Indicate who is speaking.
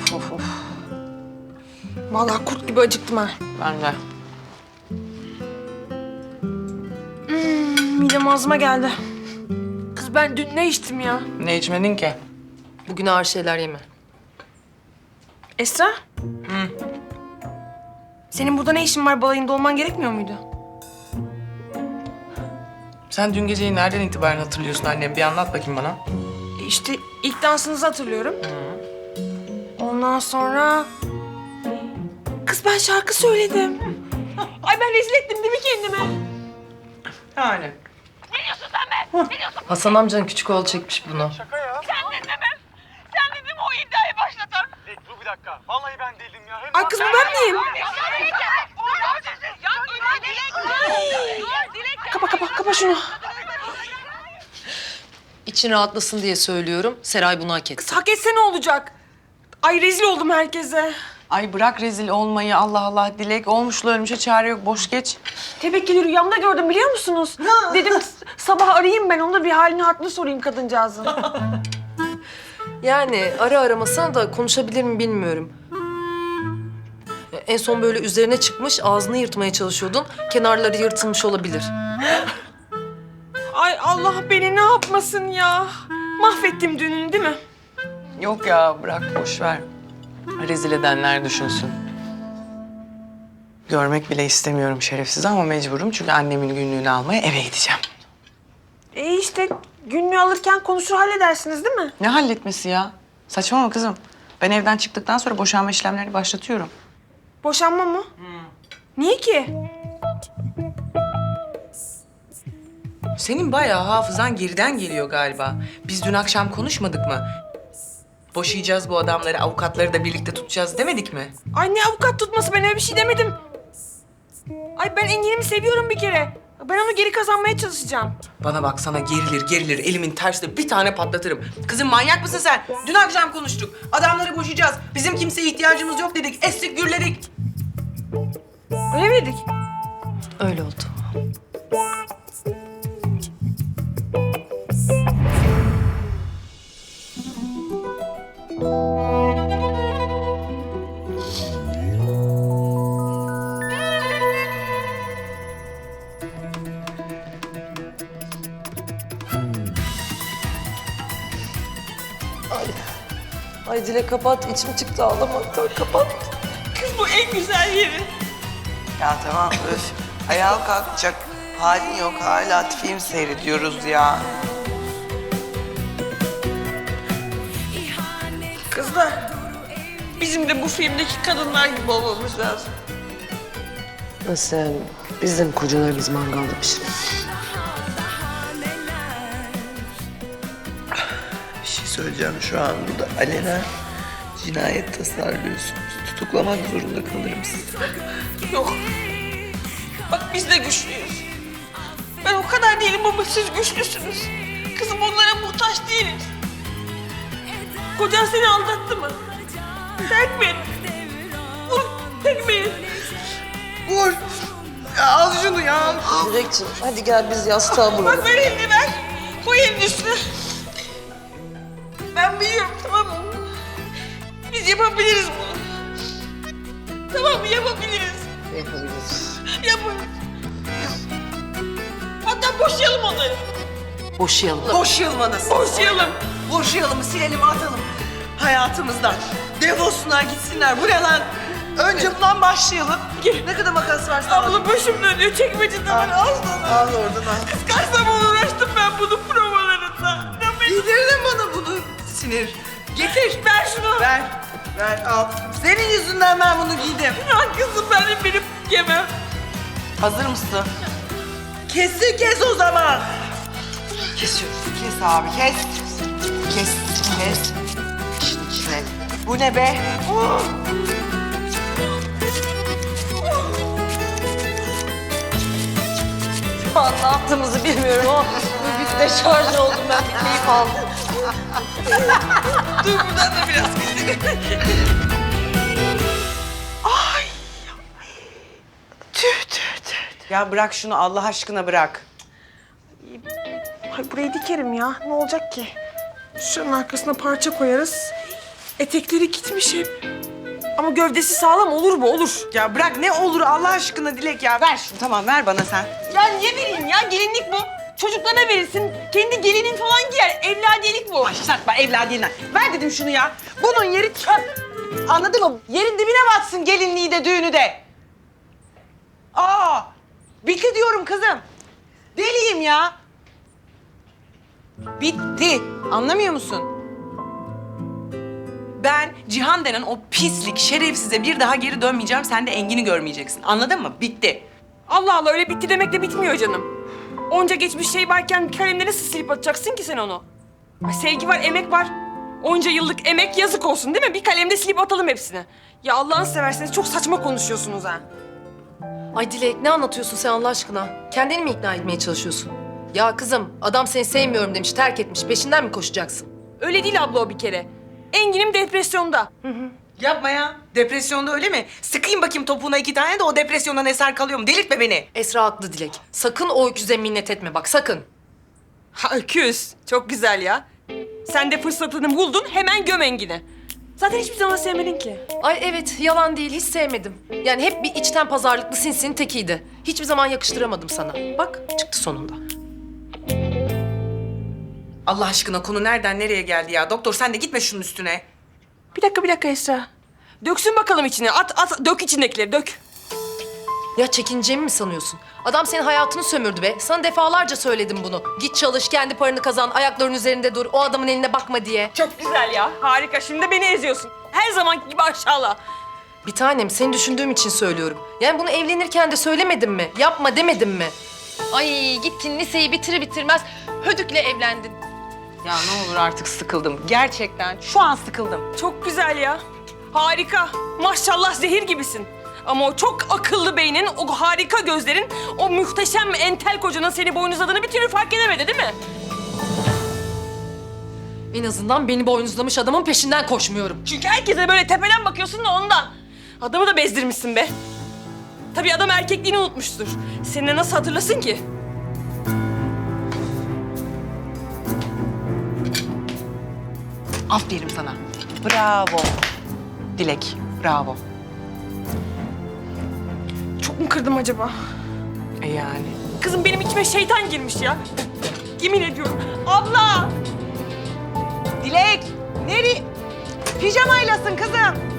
Speaker 1: Of of. Vallahi kurt gibi acıktım ha.
Speaker 2: Ben de.
Speaker 1: Midem ağzıma geldi. Kız ben dün ne içtim ya?
Speaker 2: Ne içmedin ki?
Speaker 3: Bugün ağır şeyler yeme.
Speaker 1: Esra? Senin burada ne işin var? Balayında olman gerekmiyor muydu?
Speaker 2: Sen dün geceyi nereden itibaren hatırlıyorsun annem? Bir anlat bakayım bana.
Speaker 1: İşte ilk dansınızı hatırlıyorum. Ondan sonra... Kız ben şarkı söyledim. Ay ben rezil ettim değil mi kendimi?
Speaker 2: Yani.
Speaker 3: Hasan amcanın küçük oğlu çekmiş bunu.
Speaker 4: Sen dedim o iddiayı başlatan. Dur bir dakika. Vallahi ben değildim ya. Hem
Speaker 1: Ay kız bu ben miyim? Kapa şunu.
Speaker 3: İçin rahatlasın diye söylüyorum. Seray bunu hak etti.
Speaker 1: Hak etse ne olacak? Ay rezil oldum herkese.
Speaker 2: Ay bırak rezil olmayı Allah Allah. Dilek olmuşla ölmüşe çare yok. Boş geç.
Speaker 1: Tevekkülü rüyamda gördüm biliyor musunuz? Dedim sabah arayayım ben onu da bir halini hatırını sorayım kadıncağızın.
Speaker 3: Yani ara aramasına da konuşabilir mi bilmiyorum. En son böyle üzerine çıkmış, ağzını yırtmaya çalışıyordun. Kenarları yırtılmış olabilir.
Speaker 1: Ay Allah beni ne yapmasın ya. Mahvettim düğününü değil mi?
Speaker 2: Yok ya bırak boş ver. Rezil edenler düşünsün. Görmek bile istemiyorum şerefsiz ama mecburum çünkü annemin günlüğünü almaya eve gideceğim.
Speaker 1: İşte günlüğü alırken konuşur halledersiniz değil mi?
Speaker 2: Ne halletmesi ya? Saçmalama kızım. Ben evden çıktıktan sonra boşanma işlemlerini başlatıyorum.
Speaker 1: Boşanma mı? Niye ki?
Speaker 2: Senin bayağı hafızan geriden geliyor galiba. Biz dün akşam konuşmadık mı? Boşayacağız bu adamları, avukatları da birlikte tutacağız demedik mi?
Speaker 1: Ay ne avukat tutması ben öyle bir şey demedim. Ay ben Engin'imi seviyorum bir kere. Ben onu geri kazanmaya çalışacağım.
Speaker 2: Bana bak sana gerilir elimin tersiyle bir tane patlatırım. Kızım manyak mısın sen? Dün akşam konuştuk. Adamları boşayacağız. Bizim kimseye ihtiyacımız yok dedik. Estik gürledik.
Speaker 1: Öyle miydik?
Speaker 3: Öyle oldu. Ay Dilek kapat, içim çıktı ağlamaktan. Kapat.
Speaker 1: Kız bu en güzel yeri.
Speaker 5: Ya tamam öf. Ayağa kalkacak halin yok. Hala film seyrediyoruz ya.
Speaker 1: Kızlar, bizim de bu filmdeki kadınlar gibi olmamız lazım.
Speaker 3: Nasıl yani? Biz de mi kocalarımız mangalda pişirir?
Speaker 5: Bir şey söyleyeceğim şu an burada. Alenen cinayet tasarlıyorsunuz. Tutuklamak zorunda kalırım sizi.
Speaker 1: Yok. Bak biz de güçlüyüz. Ben o kadar değilim ama siz güçlüsünüz. Kızım onlara muhtaç değiliz. Kocan seni aldattı mı? Terk mi etti? Vur, tekmeyi.
Speaker 5: Vur! Ya al şunu ya. Al.
Speaker 3: Dilekciğim hadi gel biz yastığa bulalım.
Speaker 1: Bak ver elini ver. Koy elini üstüne. Ben biliyorum tamam mı? Biz yapabiliriz bunu. Tamam mı? Yapabiliriz.
Speaker 3: Yapabiliriz.
Speaker 1: Yaparız. Hatta boşayalım onları.
Speaker 3: Boşayalım.
Speaker 5: Boşayalım anasını.
Speaker 1: Boşayalım.
Speaker 5: Boşayalım, silelim, atalım hayatımızdan. Defolsunlar, gitsinler. Bu ne lan? Önce bundan başlayalım. Ne kadar makas varsa al.
Speaker 1: Abla başım dönüyor. Çekmecede var. Al sana.
Speaker 5: Al oradan al.
Speaker 1: Kaç zaman uğraştım ben bunun provalarında.
Speaker 5: Yedirdin bana bunu sinir. Getir.
Speaker 1: Ver şunu.
Speaker 5: Ver. Ver al. Senin yüzünden ben bunu giydim.
Speaker 1: Ya kızım benim yemem.
Speaker 5: Hazır mısın? Kes o zaman. Kesiyoruz. Kes abi kes. Kes. Şunun içine. Bu ne be?
Speaker 3: Şu an ne yaptığımızı bilmiyorum ama bir deşarj oldum ben. Bir keyif aldım.
Speaker 1: Dur buradan da biraz keselim.
Speaker 5: Tüh. Ya bırak şunu Allah aşkına bırak.
Speaker 1: Ay burayı dikerim ya. Ne olacak ki? Şunun arkasına parça koyarız. Etekleri gitmiş hep. Ama gövdesi sağlam olur mu? Olur.
Speaker 5: Ya bırak ne olur Allah aşkına Dilek ya. Ver şunu tamam ver bana sen.
Speaker 1: Ya niye vereyim ya? Gelinlik bu. Çocuklarına verirsin. Kendi gelinin falan giyer. Evladiyelik bu.
Speaker 5: Başlatma evladiyenden. Ver dedim şunu ya. Bunun yeri çöp. Anladın mı? Yerin dibine batsın gelinliği de düğünü de. Aa! Bitti diyorum kızım. Deliyim ya. Bitti. Anlamıyor musun?
Speaker 2: Ben Cihan denen o pislik, şerefsize bir daha geri dönmeyeceğim. Sen de Engin'i görmeyeceksin. Anladın mı? Bitti.
Speaker 1: Allah Allah, öyle bitti demek de bitmiyor canım. Onca geçmiş şey varken bir kalemle nasıl silip atacaksın ki sen onu? Ay, sevgi var, emek var. Onca yıllık emek yazık olsun değil mi? Bir kalemde silip atalım hepsini. Ya Allah'ını severseniz çok saçma konuşuyorsunuz ha.
Speaker 3: Ay Dilek ne anlatıyorsun sen Allah aşkına? Kendini mi ikna etmeye çalışıyorsun? Ya kızım adam seni sevmiyorum demiş, terk etmiş. Peşinden mi koşacaksın?
Speaker 1: Öyle değil abla o bir kere. Engin'im depresyonda.
Speaker 2: Yapma ya. Depresyonda öyle mi? Sıkayım bakayım topuğuna 2 tane de o depresyondan eser kalıyor mu? Delirtme beni.
Speaker 3: Esra haklı Dilek. Sakın o öküze minnet etme bak sakın.
Speaker 1: Ha öküz. Çok güzel ya. Sen de fırsatını buldun, hemen göm Engin'i. Zaten hiçbir zaman sevmedin ki.
Speaker 3: Ay evet yalan değil hiç sevmedim. Yani hep bir içten pazarlıklı sinsinin tekiydi. Hiçbir zaman yakıştıramadım sana. Bak çıktı sonunda.
Speaker 2: Allah aşkına konu nereden nereye geldi ya? Doktor sen de gitme şunun üstüne.
Speaker 1: Bir dakika Esra. Döksün bakalım içine. At, dök içindekileri, dök.
Speaker 3: Ya çekineceğimi mi sanıyorsun? Adam senin hayatını sömürdü be. Sana defalarca söyledim bunu. Git çalış, kendi paranı kazan, ayaklarının üzerinde dur. O adamın eline bakma diye.
Speaker 1: Çok güzel ya. Harika. Şimdi de beni eziyorsun. Her zamanki gibi aşağıla.
Speaker 3: Bir tanem seni düşündüğüm için söylüyorum. Yani bunu evlenirken de söylemedim mi? Yapma demedim mi? Ay gittin liseyi bitirmez hödükle evlendin.
Speaker 2: Ya ne olur artık sıkıldım. Gerçekten şu an sıkıldım.
Speaker 1: Çok güzel ya. Harika. Maşallah zehir gibisin. Ama o çok akıllı beynin, o harika gözlerin, o muhteşem entel kocanın seni boynuzladığını bir türlü fark edemedi değil mi?
Speaker 3: En azından beni boynuzlamış adamın peşinden koşmuyorum.
Speaker 1: Çünkü herkese böyle tepeden bakıyorsun da ondan. Adamı da bezdirmişsin be. Tabii adam erkekliğini unutmuştur. Seninle nasıl hatırlasın ki?
Speaker 2: Aferin sana. Bravo. Dilek, bravo.
Speaker 1: Çok mu kırdım acaba?
Speaker 2: Yani.
Speaker 1: Kızım benim içime şeytan girmiş ya. Yemin ediyorum. Abla!
Speaker 5: Dilek nereye? Pijamaylasın kızım.